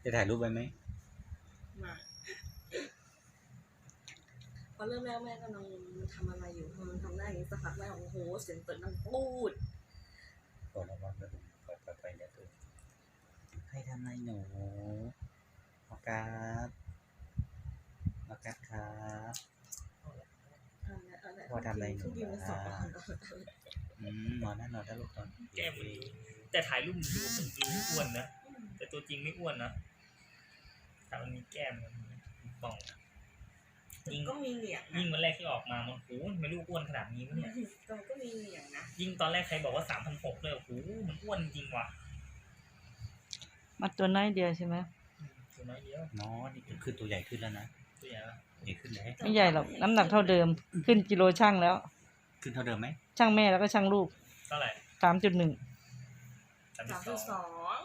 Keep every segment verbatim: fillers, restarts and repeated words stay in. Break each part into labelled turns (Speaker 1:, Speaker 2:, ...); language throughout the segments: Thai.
Speaker 1: จะถ่ายรูปไว้ไหม
Speaker 2: มาพอเริ่มแรกแม่กำลังทำอะไรอยู่พอมันทำได้อย่างนี้สักพักแม่บอกโอ้โหเสียงเปิดดังปูด
Speaker 1: ก่อนระวังนะปล่อยปล่อยไปเนี่ยตัวให้ทำอะไรหนูออกัสออกัสครับพอทำอะไรหนูนะอืมนอนนั่นนอนได้ลูกนอน
Speaker 3: แก้มมันแต่ถ่ายรูปมันดูมันดูอ้วนนะแต่ตัวจริงไม่อ้วนนะแต่มันมีแก้มมีป่อง
Speaker 2: ยิ่งก็มีเหนียง
Speaker 3: ยิ่งวันแรกที่ออกมามันโอ้ไม่รู้อ้วนขนาดนี้วะเนี่ย
Speaker 2: ก็ก็มีเหนียงนะ
Speaker 3: ยิ่งตอนแรกใครบอกว่าสามพันหกเลยโอ้โหมันอ้วนจริงว่ะ
Speaker 4: มาตัวน้อยเดียวใช่ไหม
Speaker 3: ตัวน้อยเดียว
Speaker 1: น้อยนี่คือตัวใหญ่ขึ้นแล้วนะ
Speaker 3: ตัวใหญ่ละ
Speaker 1: ใหญ่ขึ้นเลย
Speaker 4: ไม่ใหญ่หรอกน้ำหนักเท่าเดิมขึ้นกิโลช่างแล้ว
Speaker 1: ขึ้นเท่าเดิมไหม
Speaker 4: ช่างแม่แล้วก็ช่างลูก
Speaker 3: เท่าไหร่
Speaker 4: สามจุดหนึ่ง
Speaker 2: สามจุดสอง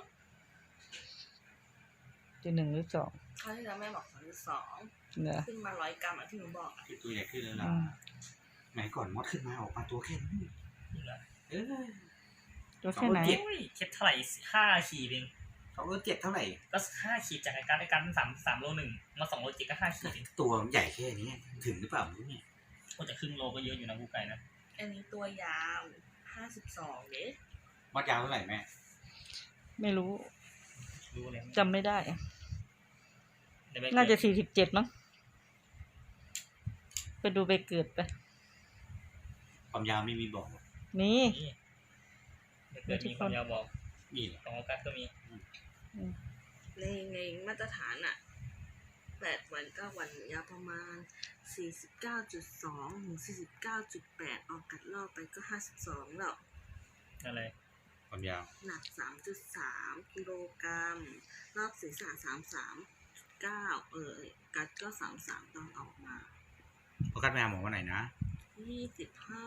Speaker 4: จุดหนึ่งหรือสอง
Speaker 2: คราวที่แล้วแม่บอกสามจุดสองขึ้นมาร้อยกรัมอ่ะที่หนูบอกอ่ะ
Speaker 1: ตัวใหญ่ขึ้นแล้วล่ะไหนก่อนมดขึ้นมาออกมาตัวแค่นี้เออ
Speaker 4: ตัวแค่ไหน
Speaker 3: เช็ดเท่าไหร่ห้าขีดเอง
Speaker 1: สองโลเจ็ดเท่าไหร่
Speaker 3: ก็ห้าขีดจากการในการสามสามโลหนึ่งมาสองโลเจ็ดก็ห้าขีด
Speaker 1: ตัวใหญ่แค่นี้ถึงหรือเปล่ารู้เนี่ย
Speaker 3: ก็จะครึ่งโลก็เยอะอยู่นะกูไก่นะ
Speaker 2: อันนี้ตัวยาวห้าสิบสองเด้
Speaker 1: วัดยาวเท่าไหร่แม่
Speaker 4: ไม่รู้
Speaker 3: รู้เลย
Speaker 4: จำไม่ได้น่าจะสี่สิบเจ็ดมั้งไปดูไปเกิดไป
Speaker 1: ความยาวไม่มีบอก
Speaker 4: มี
Speaker 3: เกิดมีความยาวบอก
Speaker 1: มี
Speaker 3: ของออกัสก็มี
Speaker 2: ในในมาตรฐานอ่ะแปดวันเก้าวันยาวประมาณสี่สิบเก้าจุดสองถึงสี่สิบเก้าจุดแปดออกกัดรอบไปก็ห้าสิบสองแล้ว
Speaker 3: อะไร
Speaker 1: ความยาว
Speaker 2: หนักสามจุดสามกิโลกรัมรอบศีรษะสามสามเก้าเออกัดก็สามสามตอนออกมา
Speaker 1: พอกัดแม่หมอวันไหนนะ
Speaker 2: ยี่สิบห้า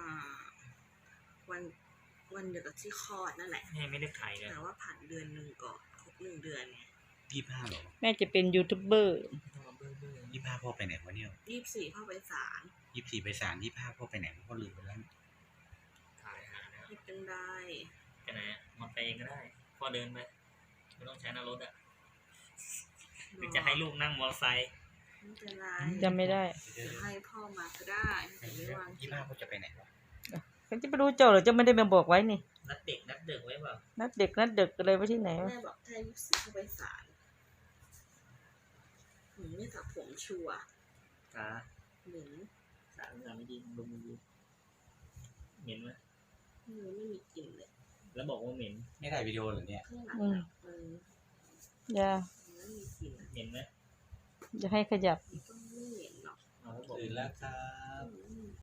Speaker 2: วันวันเดียวกับที่คลอดนั่นแหละ
Speaker 3: ไม่ได้ถ่ายเลย
Speaker 2: แต่ว่าผ่านเดือนหนึ่งก่อนครบหนึ่งเดือนไง
Speaker 1: ยี่สิบห้าหรอ
Speaker 4: แม่จะเป็นยูทูบเบอร์
Speaker 1: ยี่สิบห้าพ่อไปไหนวะเนี่ย
Speaker 2: ยี่สิบสี่พ่อไปศาล
Speaker 1: ยี่สิบสี่ไปศาลยี่สิบห้าพ่อไปไหนพ่อลืมไปแล้ว
Speaker 3: ถ่ายหาแล้ว
Speaker 2: ไม่เป็นไร
Speaker 3: ไปไหนมอเตอร์ไซค์เองก็ได้พ่อเดินไปไม่ต้องใช้หน้ารถอ่ะหรือจะให้ลูกนั่งมอเตอร์ไซค์
Speaker 2: ไม่เป็นไร
Speaker 4: จำไม่ได้
Speaker 2: จะให้พ่อมาก็ได้แต่ไม่วาง
Speaker 1: ยี่สิบห้าพ่อจะไปไหนวะ
Speaker 4: ก็จะไปรู้เจ้าหรือจะไม่ได้มาบอกไว้นี่
Speaker 3: นัดเด็กนัดเด็กไว้เปล่า
Speaker 4: นัดเด็กนัดเด็กอะไรไว้ที่ไหน
Speaker 2: แม่บอกถ้ายี่สิบสี่เข้าไปศาลหนูไม่ตัดผมชัวร์
Speaker 3: อ่า
Speaker 2: เหม็น
Speaker 3: สารงานไม่ดีลงมือดีเหม็นไหม
Speaker 2: มือไม่มีกลิ่นเลย
Speaker 3: แล้วบอกว่าเหม็น
Speaker 1: ไม่ถ่ายวิดีโอเหรอเนี่ย
Speaker 2: ข้างหลังมัน
Speaker 4: อย่า
Speaker 2: ไม่มีกลิ่น
Speaker 3: เหม็นไหม
Speaker 4: จะให้ขยับ
Speaker 2: ก็ไม่เหม็นหรอก
Speaker 1: ตื่นแล้วครับ